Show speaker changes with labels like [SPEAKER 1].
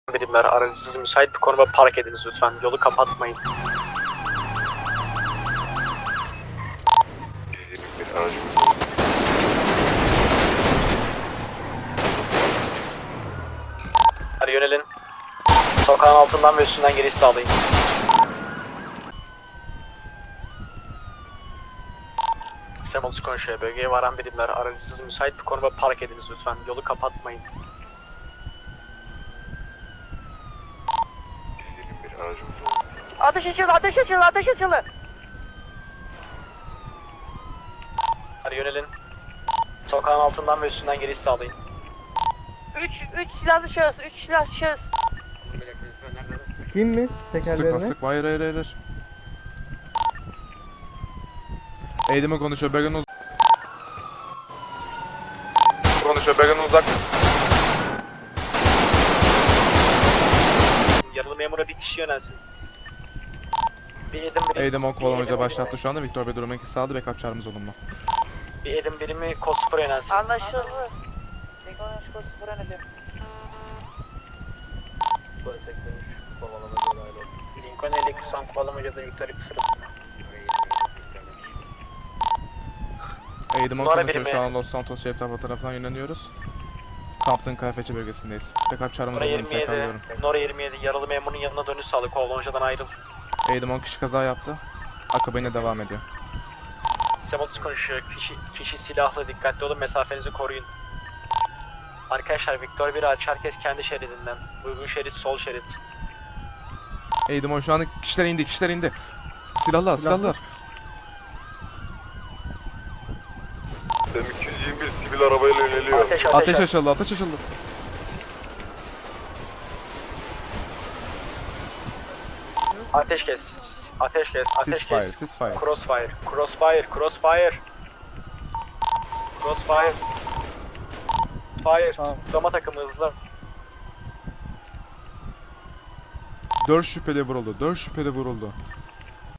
[SPEAKER 1] Birimler aracınızı müsait bir konuma park ediniz lütfen. Yolu kapatmayın.
[SPEAKER 2] Bir aracımız.
[SPEAKER 1] Hadi yönelin. Sokağın altından ve üstünden giriş sağlayın. Semolus konuşuyor. Bölgeye varan birimler aracınızı müsait bir konuma park ediniz lütfen. Yolu kapatmayın.
[SPEAKER 2] Bir aracımız.
[SPEAKER 3] Ateş açıldı, ateş açıldı, ateş açıldı.
[SPEAKER 1] Hadi yönelin. Sokağın altından ve üstünden giriş sağlayın.
[SPEAKER 3] 3 silahlı şahıs, 3 silahlı şahıs.
[SPEAKER 4] Kim mi? Tekerlerine.
[SPEAKER 5] Sıkma. Hayır. Eğdime konuşuyor. Bölgenin uzak.
[SPEAKER 1] Yaralı memura bir kişi yönelsin. Bir edim birimi,
[SPEAKER 5] Eğdim 10
[SPEAKER 1] bir
[SPEAKER 5] kovalamaca
[SPEAKER 1] edim-
[SPEAKER 5] başlattı şu anda. Victor Bey durum enkisi sağladı. Backup çağrımız olumlu.
[SPEAKER 1] Bir edim birimi kod 0 yönelsin.
[SPEAKER 3] Anlaşıldı. Ekonomik kod 0 önedim.
[SPEAKER 1] Lincoln 52 kovalamacada Victoria sırasında.
[SPEAKER 5] Eğdim 10
[SPEAKER 1] Numara
[SPEAKER 5] konuşuyor. Şu
[SPEAKER 1] birimi.
[SPEAKER 5] an Los Santos şehir tarafından yönleniyoruz. Kamptın KFC bölgesindeyiz. Backup çağrımız
[SPEAKER 1] Nora
[SPEAKER 5] olumlu. Tekrarlıyorum.
[SPEAKER 1] 27, Nora 27 yaralı memurun yanına dönüş sağlık. Kovalamacadan ayrıl.
[SPEAKER 5] Eğdim 10 kişi kaza yaptı. Akabine devam ediyor.
[SPEAKER 1] Semolus konuşuyor. Kişi silahlı, dikkatli olun, mesafenizi koruyun. Arkadaşlar Victor 1 aç, herkes kendi şeridinden. Uygun şerit, sol şerit.
[SPEAKER 5] Eğdim 10 şu anda kişiler indi. Silahlar.
[SPEAKER 2] M221 sivil arabayla yöneliyor.
[SPEAKER 5] Ateş açıldı.
[SPEAKER 1] Ateş kes.
[SPEAKER 5] Ceasefire.
[SPEAKER 1] Crossfire. Fire.
[SPEAKER 4] Tamam.
[SPEAKER 1] Dama takımı hızlı.
[SPEAKER 5] 4 şüpheli vuruldu.